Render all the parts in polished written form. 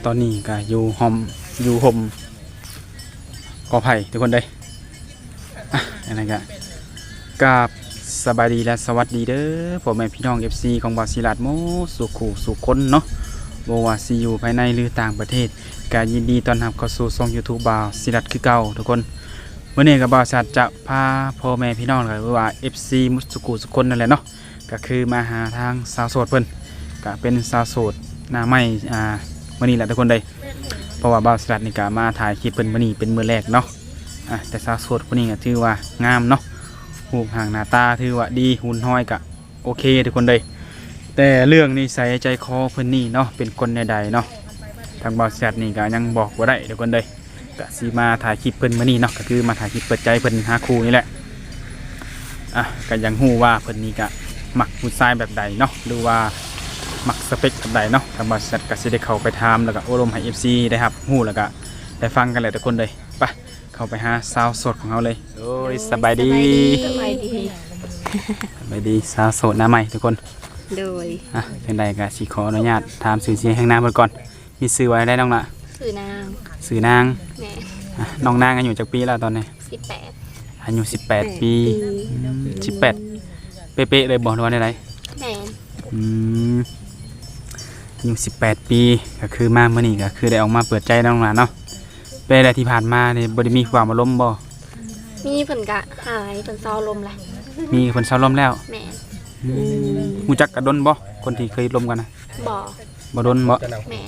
ตอนนี้ก็อยู่ห่มอยู่ห่มกอไผ่ทุกคนเลยอะไรกันกับสบายดีและสวัสดีเด้อผมเป็นพี่น้อง FC ของบาซิลัดโมสุขูสุขคนเนาะบว่าซีอยู่ภายในหรือต่างประเทศก็ยินดีต้อนรับเข้าสู่ช่อง YouTube บาซิลัดคือเก่าทุกคนเมื่อนี้กับบาซิลัดจะพาพ่อแม่พี่น้องหรือว่า FC มุสุขูสุขคนนั่นแหละเนาะก็คือมาหาทางสาวโสดเพิ่นก็เป็นสาวโสดหน้าใหม่มื่อนี้แหละทุกคนเลยเพราะว่าบาซิลัดนี่ก็มาถ่ายคลิปเพิ่นมื่อนี้เป็นมื้อแรกเนาะแต่สาวโสดคนนี้ก็ถือว่างามเนาะรูปห่างหน้าตาถือว่าดีหุ่นห้อยกะโอเคทุกคนเลยแต่เรื่องนิสัยใจคอเพิ่นนี่เนาะเป็นคนใดๆเนาะทางบาซิลัดนี่ก็ยังบอกว่าได้ทุกคนเลยก็สิมาถ่ายคลิปเพิ่นมื่อนี้เนาะก็คือมาถ่ายคลิปเปิดใจเพิ่นหาคู่นี่แหละก็ยังฮู้ว่าเพิ่นนี่ก็มักผู้ชายแบบใดเนาะหรือว่ามักสเปคแบบใดเนาะทางบริษัทก็สิได้เข้าไปถามแล้วก็อบรมให้ FC ได้ครับฮู้แล้วก็ได้ฟังกันเลยทุกคนเลยไปเข้าไปหาสาวโสดของเราเลยโอ้ยสบายดีสบายดีสาวโสดหน้าใหม่ทุกคนโดยเพียงใดก็สิขออนุญาตถามชื่อเสียงแห่งนามเพิ่นก่อนมีชื่อไว้ได้น้องล่ะชื่อนางชื่อนางแม่น้องนางอายุจักปีแล้วตอนนี้ 18 อายุ18ปี18เป๊ะๆเลยบ่ว่าได้ไดแม่อายุ18ปีก็คือมาเมื่อนี้ก็คือได้ออกมาเปิดใจน้องหลานเนาะเป็นอะไรที่ผ่านมาเนี่ยบ่ได้มีความอารมณ์บ่มีเพิ่นก็หายเพิ่นเศร้าลมแหละมีคนเศร้าลมแล้วแม่ฮู้จักกะดนบ่คนที่เคยลมกันนะบ่ดนบ่แม่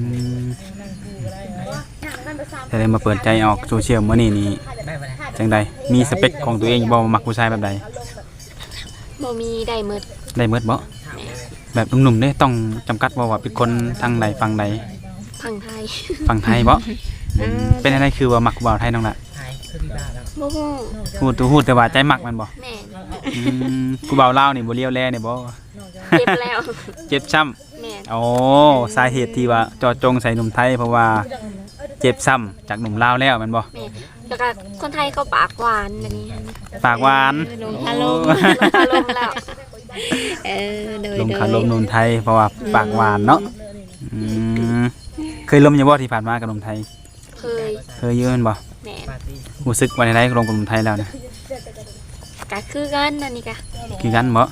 แต่ได้มาเปิดใจออกโซเชียลเมื่อนี้นี่จังใดมีสเปคของตัวเองบ่มักผู้ชายแบบใดบ่มีได้หมดบ่แบบหนุ่มๆเนี่ยต้องจำกัดว่าเป็นคนทางใดฝั่งใดฝั่งไทยบ่เป็นอะไรคือว่ามักบ่าวไทยน้องล่ะบ่ฮู้แต่ว่าใจมักมันบ่แม่กูบ่าวลาวนี่บ่เลี้ยวแลนี่บ่เจ็บแล้วเจ็บช้ำแม่โอ้สาเหตุที่ว่าเจาะจงใส่หนุ่มไทยเพราะว่าเจ็บซ้ำจากหนุ่มลาวแล้วแม่นบ่แล้วก็คนไทยเขาปากหวานอันนี้ปากหวานลงคาลมแล้วลงคาลมหนุ่มไทยเพราะว่าปากหวานเนาะเคยลมอยู่บ่ที่ผ่านมากับหนุ่มไทยเคยเยอะแม่นบ่แม่รู้สึกว่าได้ลงกับหนุ่มไทยแล้วนะก็คือกันอันนี้ก็คือกันบ่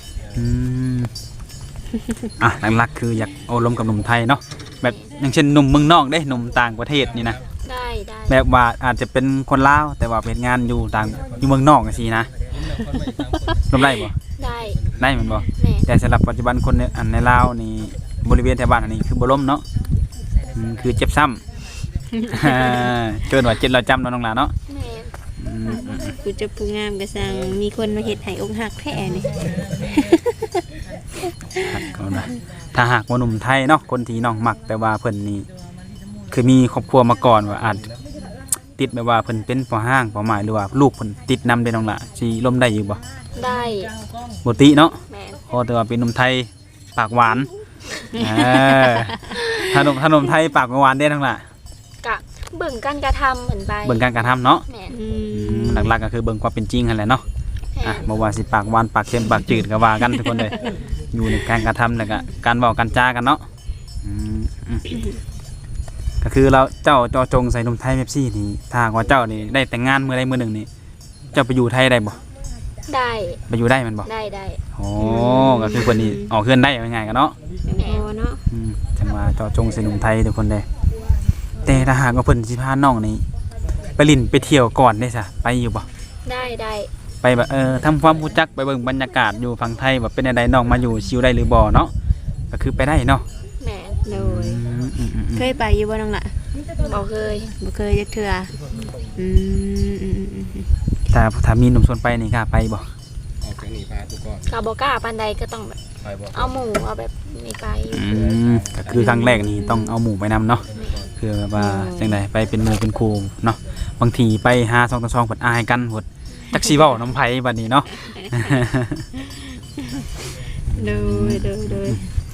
หลักๆคืออยากโอ้ลมกับหนุ่มไทยเนาะแบบอย่างเช่นหนุ่มเมืองนอกหนุ่มต่างประเทศนี่นะได้แบบว่าอาจจะเป็นคนลาวแต่ว่าเป็นงานอยู่เมืองนอกจังซี่นะลมได้บ่ได้แม่นบ่แต่สำหรับปัจจุบันคนในลาวนี่บริเวณแถวบ้านอันนี้คือบ่ล้มเนาะคือเจ็บซ้ำเกินว่าเจ็บเราจำน้องหลานเนาะกูจะผู้งามกระสังมีคนมาเห็ดให้อกหักแท้นี่ถ้าหากว่าหนุ่มไทยเนาะคนที่น้องมักแต่ว่าเพิ่นนี่คือมีครอบครัวมาก่อนว่าอาจติดแบบว่าเพิ่นเป็นพ่อห้างพ่อหมายหรือว่าลูกเพิ่นติดนำได้น้องล่ะสิล้มได้อยู่บ่ได้บ่ติเนาะเพราะแต่ว่าเป็นหนุ่มไทยปากหวานถ้าหนุ่มไทยปากหวานได้น้องล่ะกะเบิ่งการกระทำเหมือนไปเบิ่งการกระทำเนาะหลักๆก็คือเบิ่งความเป็นจริงนั่นแหละเนาะบ่ว่าสิปากหวานปากเค็มปากจืดก็ว่ากันทุกคนเลยอยู่ในการกระทำแล้วก็การเว้าการจากันเนาะก็คือเราเจ้าจอจงใส่หนุ่มไทยเมปซี่นี่ถ้าว่าเจ้านี่ได้แต่งงานมื้อใดมื้อหนึ่งนี่เจ้าไปอยู่ไทยได้บ่ได้ไปอยู่ได้มันบ่ได้โอ้ก็คือคนนี้ออกเฮือนได้ง่ายๆกันเนาะเนาะจังว่าจอจงใส่หนุ่มไทยทุกคนเลยแต่ถ้าหากว่าเพิ่นสิพาน้องนี่ไปลิ้นไปเที่ยวก่อนได้ซะไปอยู่บ่ได้ไปแบบทำความรู้จักไปเบิ่งบรรยากาศอยู่ฝั่งไทยแบบเป็นอะไรน้องมาอยู่ชิวได้หรือบ่เนาะก็คือไปได้เนาะแม่เลยเคยไปอยู่บ่น้องล่ะบ่เคยจักเทื่อถ้ามีหนุ่มชวนไปนี่กล้าไปบ่ออกจากนี่พาทุกคนก็บ่กล้าปานใดก็ต้องแบบเอาหมู่เอาแบบนี่ไปก็คือครั้งแรกนี่ต้องเอาหมู่ไปนำเนาะคือว่าจังไดไปเป็นหมู่เป็นครูเนาะบางทีไปหา2 ต่อ 2เพิ่นอายกันหมดจักสิเว้าน้ำไผบัดนี้เนาะโดย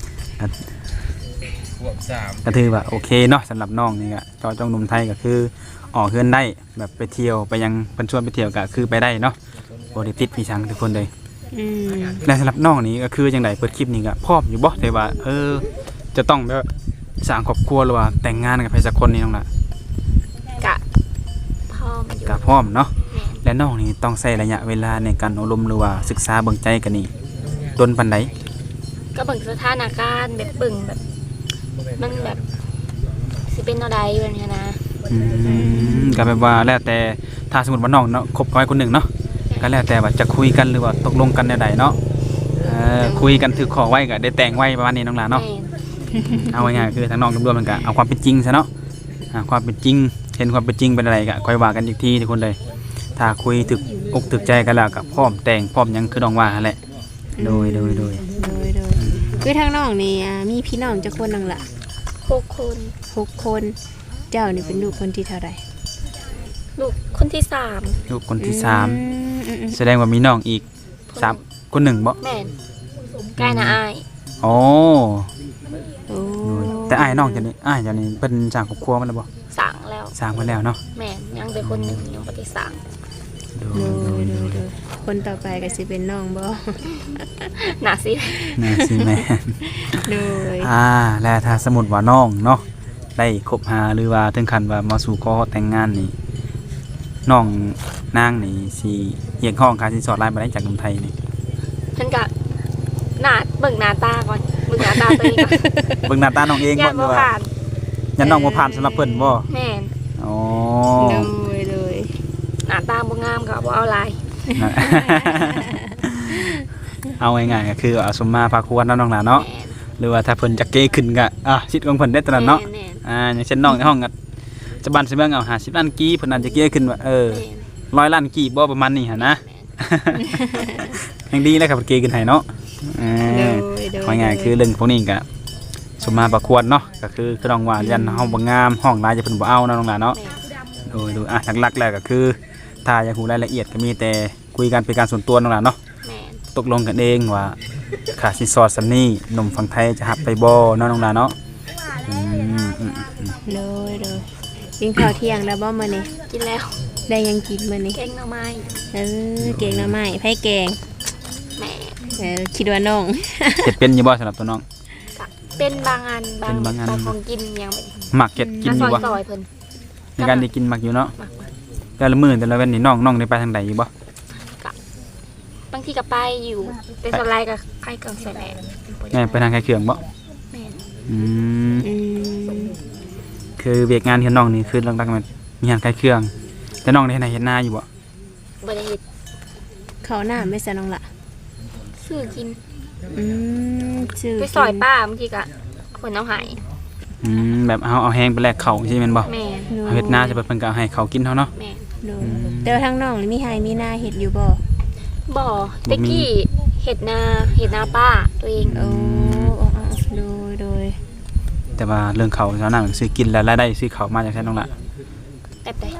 ก็ถือว่าโอเคเนาะสำหรับน้องนี่ก็จอจงหนุ่มไทยก็คือออกเฮือนได้แบบไปเที่ยวไปยังเพิ่นชวนไปเที่ยวก็คือไปได้เนาะบ่ได้ติดพี่ชังทุกคนเลยและสำหรับน้องนี่ก็คือจังได๋เปิดคลิปนี่ก็พร้อมอยู่บ่แต่ว่าจะต้องแบบสร้างครอบครัวหรือว่าแต่งงานกับใครสักคนนี่น้องล่ะกะพ่อมาอยู่ก็พร้อมเนาะแม่นและน้องนี่ต้องใช้ระยะเวลาในการอบรมหรือว่าศึกษาเบิ่งใจกันนี่ดนปานใดก็เบิ่งสถานการณ์แบบเบิ่งแบบมันแบบสิเป็นแนวใดแบบนี้นะก็แบบว่าแล้วแต่ถ้าสมมุติว่าน้องเนาะคบกับคนหนึ่งเนาะก็แล้วแต่ว่าจะคุยกันหรือว่าตกลงกันแนวใดเนาะคุยกันถือขอไว้ก็ได้แต่งไว้ประมาณนี้น้องหลานเนาะแม่นเอาง่ายๆคือทางน้องรวมๆมันก็เอาความเป็นจริงซะเนาะความเป็นจริงเห็นความเป็นจริงเป็นอะไรก็ค่อยว่ากันอีกทีทุกคนเลยถ้าคุยถึกอกถึกใจกันแล้วก็พร้อมแต่งพร้อมหยังคือน้องว่าหั่นแหละโดยคือทางน้องนี่มีพี่น้องจักคนนึงล่ะ 6 คน 6 คนเจ้านี่เป็นลูกคนที่เท่าไหร่ลูกคนที่ลูกคนที่สามอืมแสดงว่ามีน้องอีก 3 สามคนหนึ่งบ่แม่นใกล้นะอายอ๋อโอ้แต่อ้ายน้องจะนี่อ้ายจะนี่เป็นสร้างครอบครัวมันแล้วบ่สั่งแล้วสร้างมาแล้วเนาะแม่นยังแต่คนหนึ่งยังบ่ได้สั่งโดโดยคนต่อไปก็สิเป็นน้องบ่น่าสิน่าสิแม่นโดยแล้วถ้าสมมุติว่าน้องเนาะได้คบหาหรือว่าถึงขั้นว่ามาสู่ขอแต่งงานนี่น้องนางนี่สิเรียกร้องค่าสินสอดหลายบ่ได้จากหนุ่มไทยนี่เพิ่นก็เบิ่งหน้าตาก่อนเบิ่งหน้าตาตัวเองก่อนเบิ่งหน้าตาน้องเองยับ่นหรืบ่อว่าผ่านยันน้องบ่ผ่านสำหรับเพิ่นบ่แม่นอ๋อโดยหน้าตาบ่งามก็บ่เอาหลายนั่น เอาง่ายๆก็คือเอาสมมาพาควรเนาะน้องหลานเนาะแม่นหรือว่าถ้าเพิ่นจะเก้ขึ้นก็สิทธิ์ของเพิ่นได้ตอนนั้นเนาะแม่นอย่างเช่นน้องในห้องก็จะบันสิเบิ่งเอา50ล้านกีเพิ่นอาจจะเก้ขึ้นว่าแม่น 100ล้านกีบ่ประมาณนี้หั่นนะ ยังดีนะครับเพิ่นเก้ขึ้นให้เนาะเอโดอย ง่ายๆคือเรื่องพวกนี้ก็สมมาประควรเนาะก็คือน้องว่ายันเฮาบ่งามห้องหลายจะเพิ่นบ่เอาเนาะน้องหลานเนาะแม่นดูหลักๆแล้วก็คือถ้าอยากรู้รายละเอียดก็มีแต่คุยกันเป็นการส่วนตัวน้องหลานเนาะแม่นตกลงกันเองว่าค่าสินสอดสำนี้หนุ่มฝั่งไทยจะหับไปบ่เนาะน้องหลานเนาะอืมโดยกินข้าวเที่ยงแล้วบ่มื้อนี้กินแล้วได้ยังกินมื้อนี้แกงหน่อไม้แกงหน่อไม้ไผแกงแม่คิดว่าน้องเฮ็ดเป็นอยู่บ่สำหรับตัวน้องก็เป็นบางอันเป็นบางอันของกินยังบ่มักเฮ็ดกินอยู่บ่ซอยๆเพิ่นในการได้กินมักอยู่เนาะมักแต่ละมื้อแต่ละวันนี่น้องได้ไปทางใดอยู่บ่บางทีก็ไปอยู่เป็นสไลด์กับใครกังใส่แม่แม่ไปทางไข่เครื่องบ่แม่นอืมอืมคือเวียกงานที่น้องนี่คือหลักๆมันมีงานไข่เครื่องแต่น้องได้เฮ็ดนาอยู่บ่บ่ได้เฮ็ดข้าวหน้าไม่ซะน้องล่ะซื้อกินชื่อไปซอยป้าบางทีก็เพิ่นเอาให้แบบเอาแห้งไปแลกข้าวใช่แม่นบ่แม่นเอาเฮ็ดนาจะเพิ่นก็เอาให้เขากินเฮาเนาะแม่นโดยแต่ว่าทางน้องนี่มีไห้มีหน้าเฮ็ดอยู่บ่บ่ตะกี้เฮ็ดนาป้าตัวเองโอ้โดยแต่ว่าเรื่องเขาชาวนาซื้อกินแล้วรายได้ซื้อเขามาจากแท้น้องละแบบใด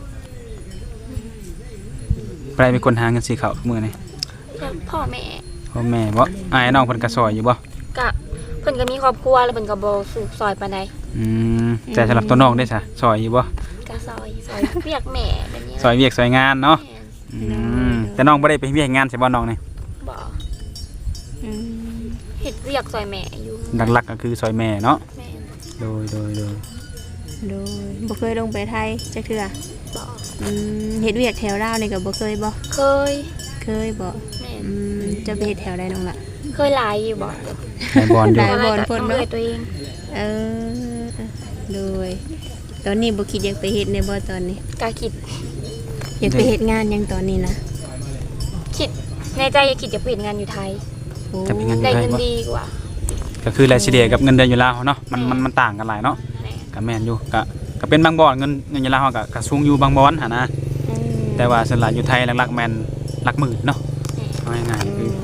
ไปเป็นคนหาเงินซื้อเขามื้อนี้พ่อแม่พ่อแม่บ่อ้ายน้องเพิ่นก็ซอยอยู่บ่ก็เพิ่นก็มีครอบครัวแล้วเพิ่นก็บ่สูบซอยปานใดแต่สำหรับตัวน้องได้ซะซอยอยู่บ่ก็ซอยเรียกแม่แบบนี้ซอยเวียกซอยงานเนาะแม่นแต่น้องบ่ได้ไปเวียกงานใช่บ่น้องนี่บ่อืมเฮ็ดเรียกซอยแม่อยู่หลักๆก็คือซอยแม่เนาะแม่นโดยโดยบ่เคยลงไปไทยจักเทื่อบ่เฮ็ดเวียกแถวลาวนี่ก็บ่เคยบ่เคยเคยบ่แม่นจะไปเฮ็ดแถวใดน้องล่ะเคยหลายอยู่บ่ในบอลอยู่หลาย บ่อนเพิ่นเนอะตัวเองเออโดยตอนนี้บ่คิดอยากไปเฮ็ดในบ่ตอนนี้ก็คิดอยากไปเฮ็ดงานหยังตอนนี้นะคิดในใจอยากคิดจะเปลี่ยนงานอยู่ไทยโอ้จะเป็นงานอได้ยู่ไทยเงินบ่ดีกว่าก็คือรายเฉลี่ยกับเงินเดือนอยู่ลาวเนาะมันต่างกันหลายเนาะแม่ก็แม่นอยู่ก็เป็นบางบ่อนเงินอยู่ลาวก็สูงอยู่บางบ่อนหั่นนะอืมแต่ว่าส่วนหลายอยู่ไทยหลักๆแม่นหลักหมื่นเนาะเอาง่ายๆคือ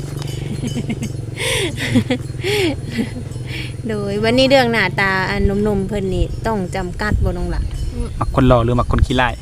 โดยวันนี้เรื่องหน้าตาอันหนุ่มๆเพิ่นนี่ต้องจำกัดบ่น้องล่ะมักคนหล่อหรือมักคนขี้ร้าย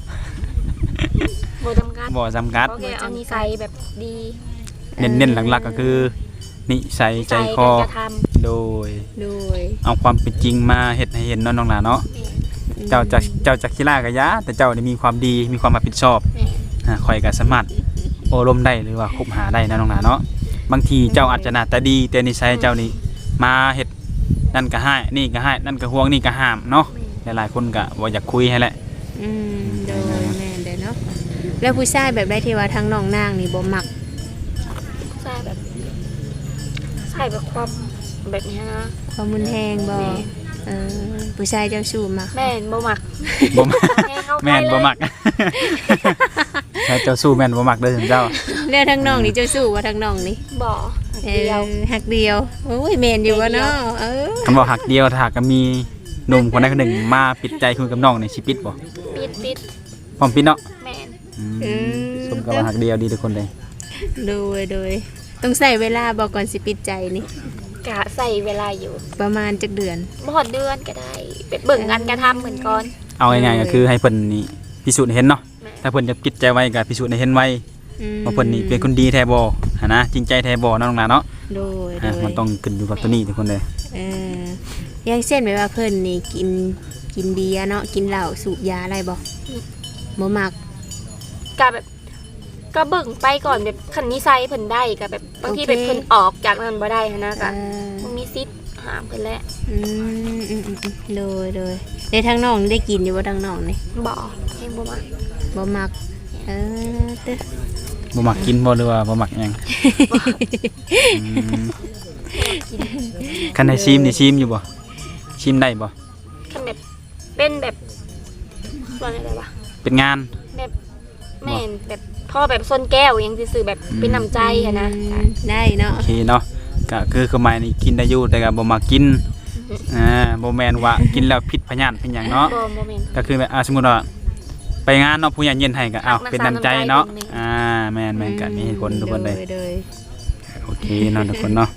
บ่จำกัดบ่จำกัดโอเคเอานิสัยแบบดีเน้นๆหลักๆก็คือนิสัยใจคอการกระทำโดยโดยเอาความเป็นจริงมาเฮ็ดให้เห็นเนาะน้องหลานเนาะเจ้าจะขี้ร้ายก็ยะแต่เจ้านี่มีความดีมีความรับผิดชอบแม่ข่อยก็สามารถโอลมได้หรือว่าคบหาได้นะน้องหลานเนาะบางทีเจ้าอาจจะหน้าตาดีแต่นิสัยเจ้านี่มาเฮ็ดนั่นก็ให้นี่ก็ให้นั่นก็ห่วงนี่ก็ห้ามเนาะหลายๆคนก็บ่อยากคุยให้แหละโดยแม่นเด้อเนาะแล้วผู้ชายแบบได้ที่ว่าทั้งน้องนางนี่บ่มักใช่แบบใช่แบบความแบบนี้นะความมุนแฮงบ่แม่ผู้ชายเจ้าชู้มักแม่นบ่มักบ่มักให้เข้าไปแม่นบ่มักใช่เจ้าสู้แม่นบ่มักเด้อเจ้าแล้วทั้งน้องนี่เจ้าชู้ว่าทั้งน้องนี่บ่เดียวหักเดียวโอ้ยแม่นอยู่ว่าเนาะคำบอกหักเดียวถ้าก็มีหนุ่มคนใดคนหนึ่งมาปิดใจคุยกับน้องนี่สิปิดบ่ปิดพร้อมปิดเนาะแม่นสมกับว่าหักเดียวดีทุกคนเลยโดยต้องใส่เวลาบ่ก่อนสิปิดใจนี่กะใส่เวลาอยู่ประมาณจักเดือนบ่ฮอดเดือนก็ได้ไปเบิ่งกันกระทำเหมือนก่อนเอาง่ายๆก็คือให้เพิ่นนี่พิสูจน์ให้เห็นเนาะแม่ถ้าเพิ่นจะปิดใจไว้ก็พิสูจน์ให้เห็นไว้ว่าเพิ่นนี่เป็นคนดีแท้บ่หันนะจริงใจแท้บ่เนาะน้องหลานเนาะโดยมันต้องขึ้นอยู่กับตัวนี้ทุกคนเลยอย่างเช่นแบบว่าเพิ่นนี่กินเบียร์เนาะกินเหล้าสูบยาอะไรบ่มักกะแบบก็เบิ่งไปก่อนแบบคันนิสัยเพิ่นได้ก็แบบบางทีโอเคแบบเพิ่นออกจากนั้นบ่ได้หันนะกะเออมันมีสิทธิ์ห้ามเพิ่นแหละโดยได้ทั้งน้องได้กินอยู่บ่ทั้งน้องนี่บ่แฮงบ่มักบ่มักเด้อบ่มักกินบ่หรือว่าบ่มักหยังคันให้ชิมนี่ชิมอยู่บ่ชิมได้บ่คันแบบเป็นแบบว่าอะไรวะเป็นงานแบบแม่นแบบพ่อแบบส้นแก้วยังซื่อๆแบบเป็นน้ำใจอะนะได้เนาะโอเคเนาะก็คือคือหมายนี่กินได้อยู่แต่ก็บ่มักกินบ่แม่นว่ากินแล้วผิดพยานเป็นหยังเนาะบ่แม่นก็คือแบบสมมุติว่าไปงานเนาะผู้ใหญ่เย็นให้ก็เป็นน้ำใจเนาะแม่นกันมีคนทุกคนเลยโดยโอเคเนาะทุกคนเนาะ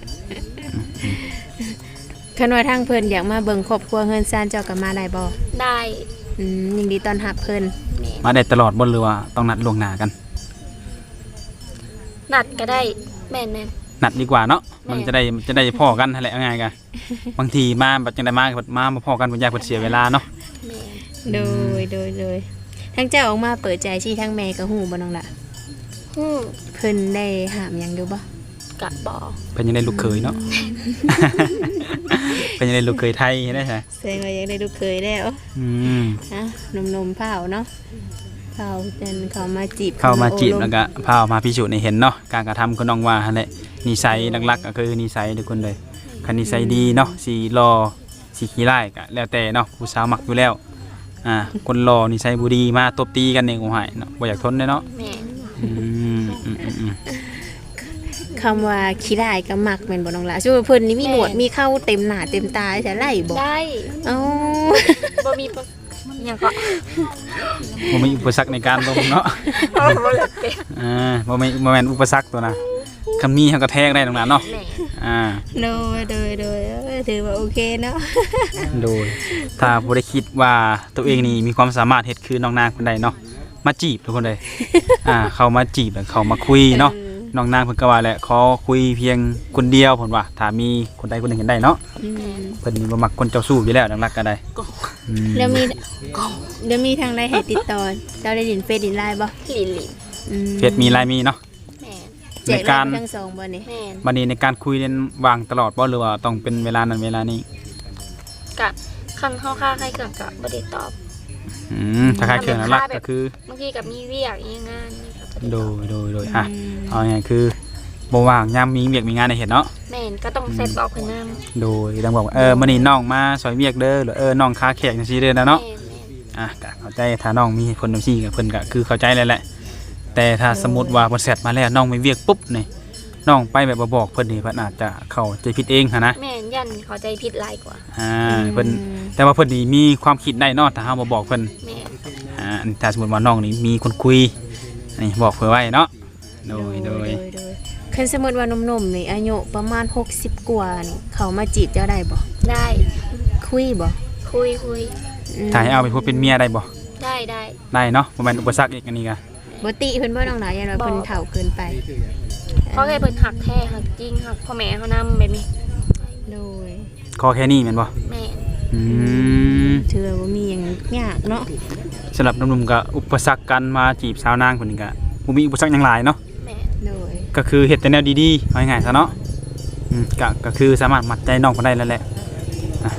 คันว่าทางเพิ่นอยากมาเบิ่งครอบครัวเฮือนซ่านเจ้าก็มาได้บ่ได้ยินดีต้อนรับเพิ่นแม่นมาได้ตลอดบ่หรือว่าต้องนัดล่วงหน้ากันนัดก็ได้แม่นนัดดีกว่าเนาะแม่มันจะได้พ้อกันนั่นแหละเอาง่ายกันบางทีมาแบบจังได๋มาบ่พ้อกันบ่อยากเพิ่นเสียเวลาเนาะแม่นโดยทั้งเจ้าออกมาเปิดใจชี้ทั้งแม่ก็ฮู้บ่น้องล่ะฮู้เพิ่นได้ห้ามหยังอยู่บ่กะบ่เพิ่นยังได้ลูกเขยเนาะ เพิ่นยังได้ลูกเขยไทยได้ใช่แสดงว่ายังได้ลูกเคยแล้ว นมเผาเนาะเผาจนเขามาจีบเข้ามาจีบโอ้แล้วก็พาออกมาพิสูจน์ให้เห็นเนาะการกระทำของน้องว่าหั่นแหละนิสัยหลักๆก็คือนิสัยทุกคนเลยคันนิสัยดีเนาะสีรอสีขี้ร้ายก็แล้วแต่เนาะผู้สาวมักอยู่แล้วคนรอนิสัยบ่ดีมาตบตีกันเองโอ้ยเนาะบ่อยากทนเลยเนาะแม่นคำว่าขี้ได้ายก็มักแม่นบ่น้องล่ะสู้เพิ่นนี่มีหนวดมีเข้าเต็มหน้าเต็มตาจะไล่บ่ได้เอ้าบ่มีหยังก็บ่มีอุปสรรคในการลงเนาะบ่อยากเป็นบ่แม่นอุปสรรคตัวน่ะคำนี้เฮาก็แทงได้ตรงนั้นเนาะแม่นโดยถือว่าโอเคเนาะโดยถ้าบ่ได้คิดว่าตัวเองนี่มีความสามารถเฮ็ดคือน้องนางคนใดเนาะมาจีบทุกคนเลย เขามาจีบแล้วเขามาคุยเนาะน้องนางเพิ่นก็ว่าแหละขอคุยเพียงคนเดียวเพิ่นว่าถ้ามีคนใดคนหนึ่งเห็นได้เนาะเพิ่นนี่บ่มักคนเจ้าชู้อยู่แล้วนักรักก็ได้แล้วมีทางใดให้ติดต่อเจ้าได้ดินเฟซดินไลน์บ่หลินเฟซมีไลน์มีเนาะแม่นแจกไลน์ทั้งสองบ่นี่แม่นบัดนี้ในการคุยเรียนวางตลอดบ่หรือว่าต้องเป็นเวลานั้นเวลานี้กะคันเฮาค่าใครเกิดก็บ่ได้ตอบถ้าคล้ายเครื่องนักรักก็คือบางทีก็มีเวียกอีงานนี่ก็บ่ได้โดตอบยเอาไงคือบ่ว่างยามมีเวียกมีงานให้เฮ็ดเนาะแม่นก็ต้องเซ็ตบอกเพิ่นนำโดยต้องบอกว่ามื้อนี้น้องมาซอยเวียกเด้อหรือน้องค้าแขกจังซี่เด้อนะเนาะแม่นก็เข้าใจถ้าน้องมีเหตุผลจังซี่ก็เพิ่นก็คือเข้าใจแล้วแหละแต่ถ้าสมมุติว่าเพิ่นเสร็จมาแล้วน้องไม่เวียกปุ๊บนี่น้องไปแบบบ่บอกเพิ่นนี่เพิ่นอาจจะเข้าใจผิดเองหั่นนะแม่นยันเข้าใจผิดหลายกว่าเพิ่นแต่ว่าเพิ่นนี่มีความคิดได้เนาะถ้าเฮาบ่บอกเพิ่นแม่นถ้าสมมุติว่าน้องนี่มีคนคุยนี่บอกเพิ่นไว้เนาะโดยคันสมมุติว่าหนุ่มๆนี่อายุประมาณ60กว่านี่เขามาจีบเจ้าได้บ่ได้คุยบ่คุยถ้าให้เอาไปพูดเป็นเมียได้บ่ได้ได้เนาะบ่แม่นอุปสรรคอีกอันนี้ก็บ่ติเพิ่นบ่น้องหลายยันว่าเพิ่นเฒ่าเกินไปเพราะแค่เพิ่นหักแท้หักจริงหักพ่อแม่เขานำแบบนี้โดยขอแค่นี้แม่นบ่แม่นถือว่าบ่มีหยังยากเนาะสำหรับหนุ่มๆก็อุปสรรคการมาจีบสาวนางคนนี้ก็บ่มีอุปสรรคหยังหลายเนาะแม่นโดยก็คือเฮ็ดแต่แนวดีๆเอาง่ายๆซะเนาะก็คือสามารถมัดใจน้องเพิ่นได้แล้วแหละ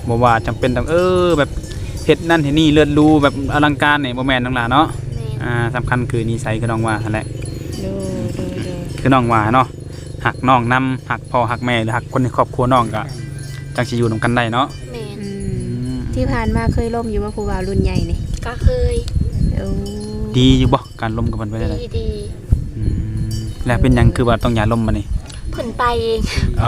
บ่ว่าจำเป็นต้องแบบเฮ็ดนั่นเฮ็ดนี่เลิศหรูแบบอลังการนี่บ่แม่นน้องหล่ะเนาะแม่นสำคัญคือนิสัยคือน้องว่านั่นแหละโดยคือน้องว่าเนาะหักน้องนำหักพ่อหักแม่หรือหักคนในครอบครัวน้องก็จังสิอยู่นํกันได้เนาะแม่นอืมที่ผ่านมาเคยล่มอยู่ว่าผู้บ่าวรุ่นใหญ่นี่ก็เคยโอ้ดีอยู่บ่การล้มกับมันไปได้เลยดีแล้วเป็นหยังคือว่าต้องอย่าล้มมานี่เพิ่นไปเองอ๋อ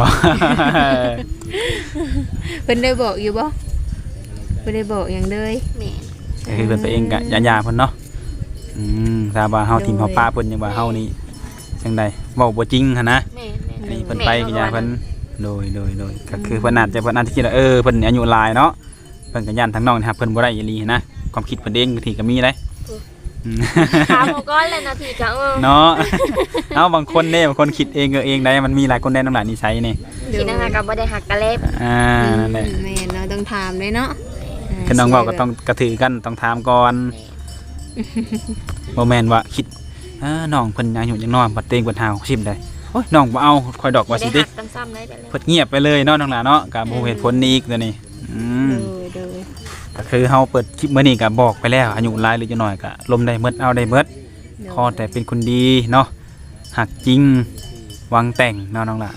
เพิ่นได้บอกอยู่บ่บ่ได้บอกหยังเลยแม่นก็คือเพิ่นไปเองก็อย่าเพิ่นเนาะถ้าว่าเฮาทีมเฮาป้าเพิ่นยังว่าเฮานี่จังใดเว้าบ่จริงหั่นนะแม่นแม่นอันนี้เพิ่นไปก็อย่าเพิ่นโดยก็คือเพิ่นอาจจะคิดว่าเพิ่นอายุหลายเนาะเพิ่นก็ย่านทางน้องนี่ครับเพิ่นบ่ได้อีหลีนะความคิดเพิ่นเองบางทีก็มีได้ถามหมก้อนเลยนาทีก็เนาะ เอาบางคนเนี่ยบางคนคิดเองเองได้มันมีหลายคนได้น้ำหลายนิสัยนี่คิดนะคะก็บ่ได้หักกะเล็บแหละแม่นเนาะต้องถามเลยเนาะคือน้องเว่าก็ต้องกระถือกันต้องถามก่อนบ่แม่นว่าคิดน้องเพิ่นอายุยังน้อยบัดเตงเพิ่นหา60ได้โอ้ยน้องบ่เอาคอยดอกว่าสิได้ติหักกันซ้ำได้ไปเลยเพิ่นเงียบไปเลยเนาะน้องหลาเนาะก็บ่เหตุผลนี้อีกตัวนี้โดยก็คือเฮาเปิดคลิปมื้อนี้ก็บอกไปแล้วอายุหลายหรือจะน้อยก็ลมได้หมดเอาได้หมดขอแต่เป็นคนดีเนาะหักจริงหวังแต่งเนาะน้องหล่ะ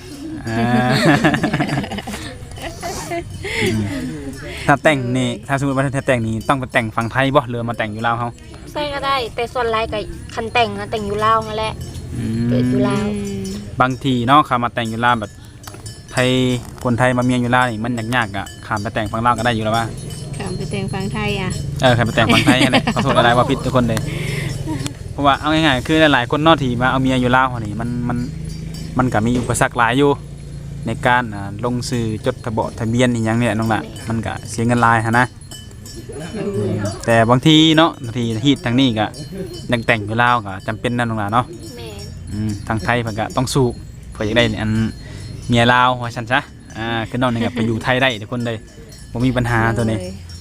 ถ้าแต่งนี่ถ้าสมมติว่าถ้าแต่งนี่ต้องไปแต่งฝั่งไทยบ่หรือมาแต่งอยู่ลาวเฮาใส่ก็ได้ แต่ส่วนหลายก็คันแต่งนะแต่งอยู่ลาวนั่นแหละเกิดอยู่ลาวบางทีเนาะข้ามาแต่งอยู่ลาวแบบไทยคนไทยมาเมียอยู่ลาวนี่มันยากๆอ่ะข้ามไปแต่งฝั่งลาวก็ได้อยู่แล้วว่าข้ามไปแต่งฟังไทยอ่ะข้ามไปแต่งฝั่งไทยนั่นแหละขอโทษอะไรว่าผิดทุกคนเลยเพราะว่าเอาง่ายๆคือหลายๆคนเนอกที่มาเอาเมียอยู่ลาวนี่มันก็มีอุปสรรคหลายอยู่ในการลงสื่อจดทะเบียนอีหยังเนี่ยน้องละมันก็เสียเงินหลายฮะนะแต่บางทีเนาะบางทีฮีดทางนี้ก็ยังแต่งอยู่ลาวก็จำเป็นนั่นน้องละเนาะแม่นทางไทยเพิ่นก็ต้องสู้เพื่อจะได้อันเมียลาวว่าซั่นซะคือน้องนี่ก็ไปอยู่ไทยได้ทุกคนเลยบ่มีปัญหาตัวนี้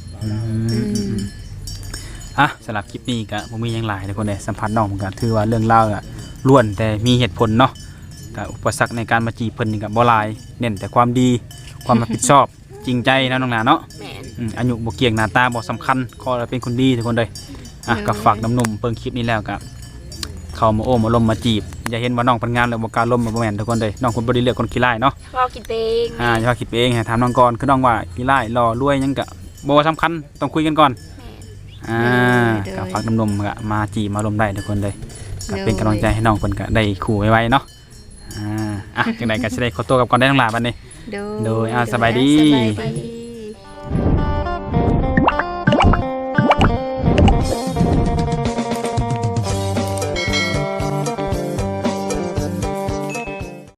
สำหรับคลิปนี้ก็บ่มีหยังหลายทุกคนเลยสัมผัสน้องมันก็ถือว่าเรื่องราวก็ล้วนแต่มีเหตุผลเนาะก็อุปสรรคในการมาจีบเพิ่นนี่ก็บ่หลายเน้นแต่ความดีความรับผิดชอบจริงใจนะน้องหลาเนาะแม่นอายุบ่เกี่ยงหน้าตาบ่สำคัญขอให้เป็นคนดีทุกคนเลยก็ฝากน้ำนมเพิ่งคลิปนี้แล้วก็เข้ามาโอ้มาลมมาจีบอย่าเห็นว่าน้องเป็นงานแล้วบ่กล้าลมบ่แม่นทุกคนเลยน้องคนบ่ได้เลือกคนขี้ร้ายเนาะเราคิดเองอย่าว่าคิดไปเองให้ถามน้องก่อนคือน้องว่าขี้ร้ายหล่อรวยหยังก็บ่สำคัญต้องคุยกันก่อน ก็ฝากนมๆก็มาจีมาลมได้ทุกคนเลยก็เป็นกำลังใจให้น้องคนก็ได้คู่ไว้เนาะจังไดก็สิได้ขอตัวกับก่อนได้ทั้งหลายบัดนี้โดยสบายดีสบายดี